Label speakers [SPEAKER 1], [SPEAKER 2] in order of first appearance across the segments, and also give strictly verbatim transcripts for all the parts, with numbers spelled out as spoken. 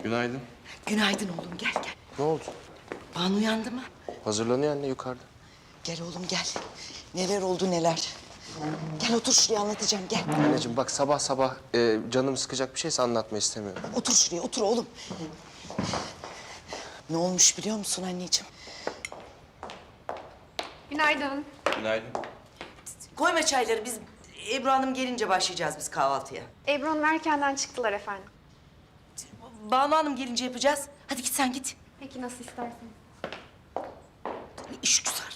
[SPEAKER 1] Günaydın.
[SPEAKER 2] Günaydın oğlum, gel gel.
[SPEAKER 1] Ne oldu?
[SPEAKER 2] Banu uyandı mı?
[SPEAKER 1] Hazırlanıyor anne yukarıda.
[SPEAKER 2] Gel oğlum gel. Neler oldu neler. Gel otur şuraya, anlatacağım, gel.
[SPEAKER 1] Anneciğim bak sabah sabah e, canım sıkacak bir şeyse anlatma istemiyorum.
[SPEAKER 2] Otur şuraya, otur oğlum. Ne olmuş biliyor musun anneciğim?
[SPEAKER 3] Günaydın.
[SPEAKER 1] Günaydın.
[SPEAKER 2] Koyma çayları, biz Ebru Hanım gelince başlayacağız biz kahvaltıya.
[SPEAKER 3] Ebru Hanım erkenden çıktılar efendim.
[SPEAKER 2] Banu Hanım gelince yapacağız. Hadi git sen git.
[SPEAKER 3] Peki nasıl isterseniz.
[SPEAKER 2] İş güzel.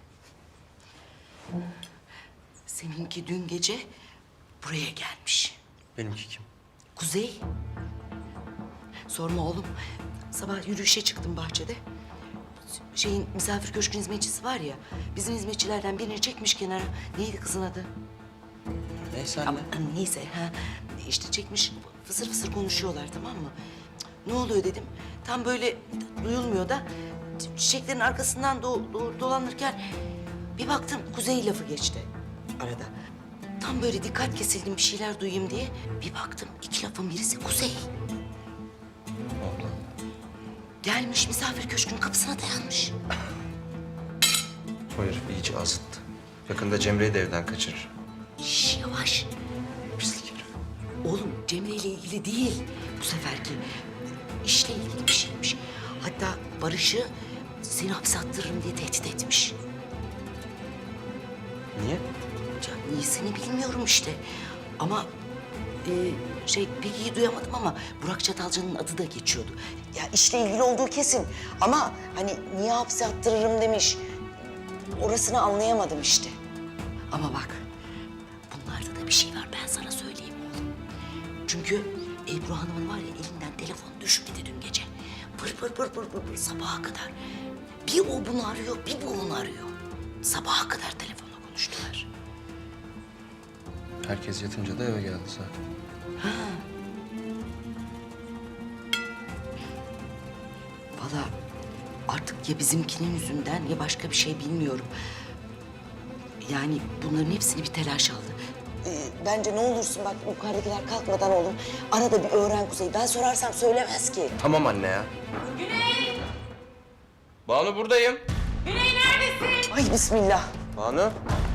[SPEAKER 2] Seninki dün gece buraya gelmiş.
[SPEAKER 1] Benimki kim?
[SPEAKER 2] Kuzey. Sorma oğlum. Sabah yürüyüşe çıktım bahçede. Şeyin misafir köşkün hizmetçisi var ya. Bizim hizmetçilerden birini çekmiş kenara. Neydi kızın adı?
[SPEAKER 1] Neyse anne.
[SPEAKER 2] Ama neyse ha. İşte çekmiş fısır fısır konuşuyorlar, tamam mı? Ne oluyor dedim. Tam böyle duyulmuyor da çiçeklerin arkasından do do dolanırken bir baktım Kuzey lafı geçti arada. Tam böyle dikkat kesildim bir şeyler duyayım diye. Bir baktım iki lafın birisi Kuzey.
[SPEAKER 1] Allah.
[SPEAKER 2] Gelmiş misafir köşkünün kapısına dayanmış.
[SPEAKER 1] Hayır iyice azıttı. Yakında Cemre'yi de evden kaçırır.
[SPEAKER 2] Şş, yavaş.
[SPEAKER 1] Pislik herif.
[SPEAKER 2] Oğlum Cemre ile ilgili değil bu seferki. İşle ilgili bir şeymiş. Hatta Barış'ı seni hapse attırırım diye tehdit etmiş.
[SPEAKER 1] Niye?
[SPEAKER 2] Ya iyisini bilmiyorum işte. Ama e, şey pek iyi duyamadım ama Burak Çatalca'nın adı da geçiyordu. Ya işle ilgili olduğu kesin. Ama hani niye hapse attırırım demiş. Orasını anlayamadım işte. Ama bak bunlarda da bir şey var, ben sana söyleyeyim oğlum. Çünkü Ebru Hanım'ın var ya elinden telefon düşmedi dün gece. Pır pır pır pır pır pır sabaha kadar. Bir o bunu arıyor, bir bu onu arıyor. Sabaha kadar telefonla konuştular.
[SPEAKER 1] Herkes yatınca da eve geldi zaten.
[SPEAKER 2] Vallahi artık ya bizimkinin yüzünden ya başka bir şey bilmiyorum. Yani bunların hepsini bir telaş aldı. Ee, bence ne olursun bak yukarıdakiler kalkmadan oğlum. Arada bir öğren Kuzey. Ben sorarsam söylemez ki.
[SPEAKER 1] Tamam anne ya.
[SPEAKER 4] Güney!
[SPEAKER 1] Banu buradayım.
[SPEAKER 4] Güney neredesin?
[SPEAKER 2] Ay bismillah.
[SPEAKER 1] Banu.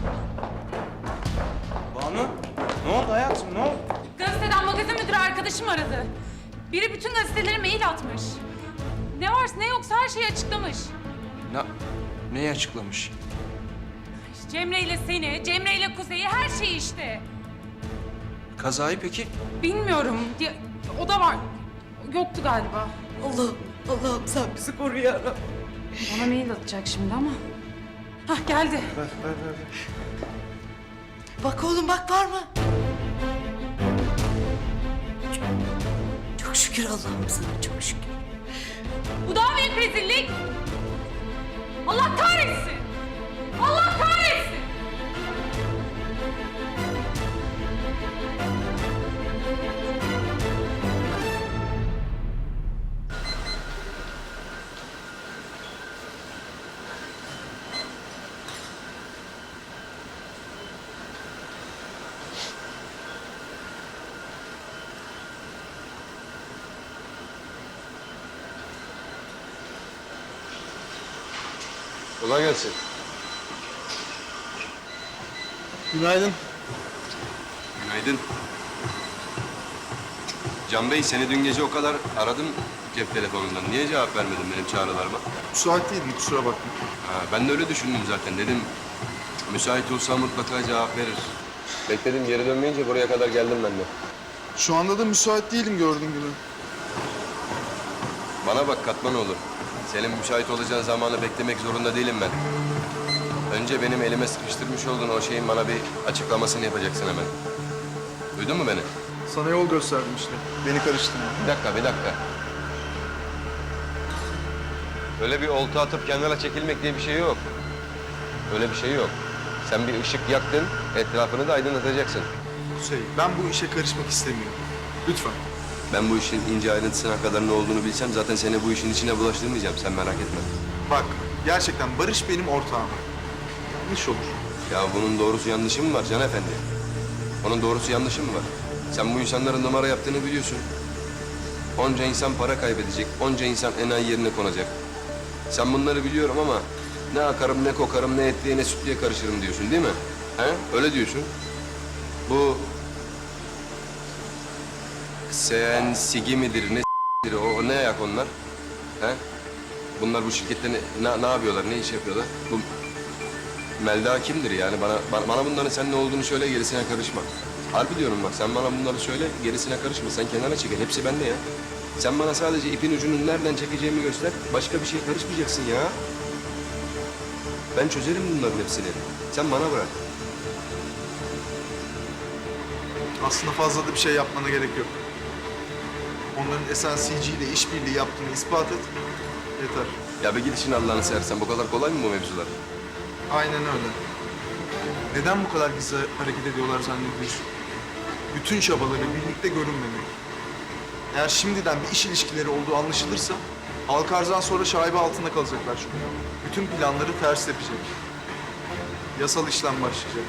[SPEAKER 1] Banu. Ne oldu hayatım ne oldu?
[SPEAKER 4] Gazeteden magazin müdürü arkadaşım aradı. Biri bütün gazetelere mail atmış. Ne varsa ne yoksa her şeyi açıklamış.
[SPEAKER 1] Ne, neyi açıklamış?
[SPEAKER 4] Cemre ile seni, Cemre ile Kuzey'i, her şeyi işte.
[SPEAKER 1] Kazayı peki?
[SPEAKER 4] Bilmiyorum. Ya, o da var. Yoktu galiba.
[SPEAKER 2] Allah, Allah'ım sen bizi koru ya Rabbim.
[SPEAKER 4] Bana mail atacak şimdi ama. Hah geldi.
[SPEAKER 2] Bak oğlum bak var mı? Çok, çok şükür Allah'ım sana çok şükür.
[SPEAKER 4] Bu daha büyük rezillik. Allah kahretsin. Allah kahretsin.
[SPEAKER 5] Kolay gelsin.
[SPEAKER 6] Günaydın.
[SPEAKER 5] Günaydın. Can Bey, seni dün gece o kadar aradım cep telefonundan. Niye cevap vermedin benim çağrılarıma?
[SPEAKER 6] Müsait değildim, kusura bakma.
[SPEAKER 5] Ha, ben de öyle düşündüm zaten. Dedim, müsait olsa mutlaka cevap verir. Bekledim, geri dönmeyince buraya kadar geldim ben de.
[SPEAKER 6] Şu anda da müsait değilim gördüğün gibi.
[SPEAKER 5] Bana bak Katmanoğlu. Senin müsait olacağın zamanı beklemek zorunda değilim ben. Önce benim elime sıkıştırmış olduğun o şeyin bana bir açıklamasını yapacaksın hemen. Duydun mu beni?
[SPEAKER 6] Sana yol gösterdim işte. Beni karıştırma.
[SPEAKER 5] Bir dakika, bir dakika. Öyle bir olta atıp kenara çekilmek diye bir şey yok. Öyle bir şey yok. Sen bir ışık yaktın, etrafını da aydınlatacaksın.
[SPEAKER 6] Kuzey, ben bu işe karışmak istemiyorum. Lütfen.
[SPEAKER 5] Ben bu işin ince ayrıntısına kadar ne olduğunu bilsem zaten seni bu işin içine bulaştırmayacağım. Sen merak etme.
[SPEAKER 6] Bak, gerçekten Barış benim ortağım. Yanlış olur.
[SPEAKER 5] Ya bunun doğrusu yanlışı mı var Can Efendi? Onun doğrusu yanlışı mı var? Sen bu insanların numara yaptığını biliyorsun. Onca insan para kaybedecek, onca insan enayi yerine konacak. Sen bunları biliyorum ama ne akarım, ne kokarım, ne etliye, ne sütlüye karışırım diyorsun değil mi? He? Öyle diyorsun. Bu sen sigi midir, ne s**tir, o, o ne ayak onlar? He? Bunlar bu şirkette ne, ne, ne yapıyorlar, ne iş yapıyorlar? Bu Melda kimdir yani? Bana, bana, bana bunların sen ne olduğunu söyle, gerisine karışma. Harbi diyorum bak, sen bana bunları söyle, gerisine karışma. Sen kenara çekil, hepsi bende ya. Sen bana sadece ipin ucunu nereden çekeceğimi göster, başka bir şeye karışmayacaksın ya. Ben çözerim bunların hepsini. Sen bana bırak.
[SPEAKER 6] Aslında fazla da bir şey yapmana gerek yok. Onların S N C G ile işbirliği yaptığını ispat et. Yeter.
[SPEAKER 5] Ya bir git işin Allah'ını seversen, bu kadar kolay mı bu mevzular?
[SPEAKER 6] Aynen öyle. Neden bu kadar gizli hareket ediyorlar zannediyorsun? Bütün çabaları birlikte görünmemek. Eğer şimdiden bir iş ilişkileri olduğu anlaşılırsa Alkarz'dan sonra şaibe altında kalacaklar çünkü. Bütün planları ters yapacak. Yasal işlem başlayacak.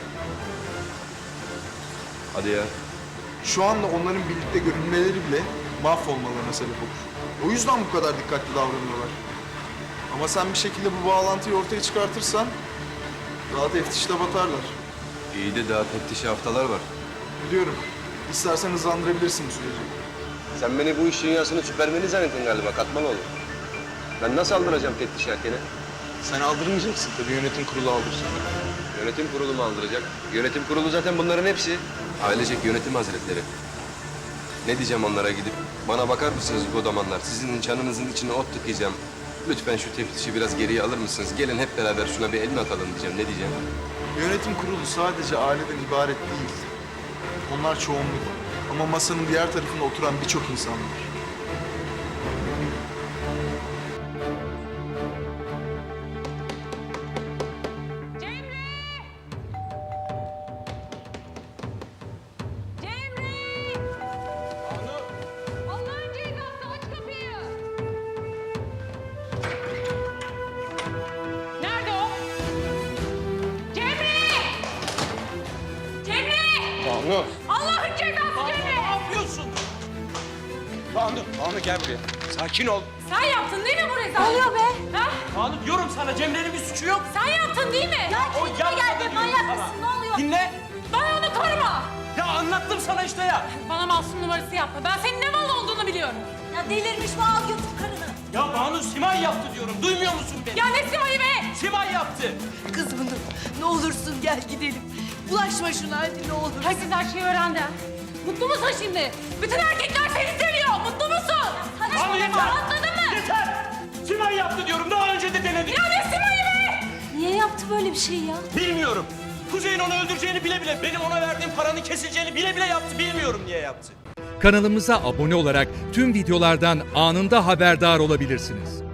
[SPEAKER 5] Hadi ya.
[SPEAKER 6] Şu anda onların birlikte görünmeleri bile mahvolmalarına sebep olur. O yüzden bu kadar dikkatli davranıyorlar. Ama sen bir şekilde bu bağlantıyı ortaya çıkartırsan daha teftişte batarlar.
[SPEAKER 5] İyi de daha teftişi haftalar var.
[SPEAKER 6] Biliyorum. İstersen hızlandırabilirsin bu süreci.
[SPEAKER 5] Sen beni bu iş dünyasının süpermeni zannettin galiba, katman olur. Ben nasıl aldıracağım teftiş erkene?
[SPEAKER 6] Sen aldırmayacaksın tabii, yönetim kurulu aldırsın.
[SPEAKER 5] Yönetim kurulu mu aldıracak? Yönetim kurulu zaten bunların hepsi. Ailecek yönetim hazretleri. Ne diyeceğim onlara gidip? Bana bakar mısınız bu zamanlar? Sizin çanınızın içine ot tıkayacağım. Lütfen şu teftişi biraz geriye alır mısınız? Gelin hep beraber şuna bir elini atalım diyeceğim. Ne diyeceğim?
[SPEAKER 6] Yönetim kurulu sadece aileden ibaret değil. Onlar çoğunluk. Ama masanın diğer tarafında oturan birçok insan var.
[SPEAKER 4] Cemre! Cemre! Allah'ın cezası, aç kapıyı! Nerede o? Cemre! Cemre!
[SPEAKER 1] Banu!
[SPEAKER 4] Allah'ın cezası Cemre!
[SPEAKER 7] Ne yapıyorsun? Banu, Banu gel buraya. Sakin ol.
[SPEAKER 4] Sen yaptın değil mi bu rezalet? Ne oluyor be? Ha?
[SPEAKER 7] Banu diyorum sana Cemre'nin bir suçu yok.
[SPEAKER 4] Sen yaptın değil mi? Ya
[SPEAKER 7] O yapmadı diyorum sana.
[SPEAKER 4] Ne oluyor?
[SPEAKER 7] Dinle.
[SPEAKER 4] Bana onu koruma!
[SPEAKER 7] Ya anlattım sana işte ya.
[SPEAKER 4] Bana masum numarası yapma. Ben senin ne mal olduğunu biliyorum.
[SPEAKER 8] Ya delirmiş bu, al götür karını.
[SPEAKER 7] Ya Banu Simay yaptı diyorum. Duymuyor musun beni?
[SPEAKER 4] Ya ne Sima'yı be?
[SPEAKER 7] Simay yaptı.
[SPEAKER 8] Kızım dur, ne olursun gel gidelim. Bulaşma şuna hadi ne olur.
[SPEAKER 4] Herkes her şeyi öğrendi. Mutlu musun şimdi? Bütün erkekler seni seviyor. Mutlu musun?
[SPEAKER 7] Banu yeter.
[SPEAKER 4] Anladın mı?
[SPEAKER 7] Yeter. Simay yaptı diyorum. Daha önce de denedik.
[SPEAKER 4] Ya ne Sima'yı be?
[SPEAKER 8] Niye yaptı böyle bir şey ya?
[SPEAKER 7] Bilmiyorum. Kuzey'in onu öldüreceğini bile bile, benim ona verdiğim paranın kesileceğini bile bile yaptı. Bilmiyorum niye yaptı.
[SPEAKER 9] Kanalımıza abone olarak tüm videolardan anında haberdar olabilirsiniz.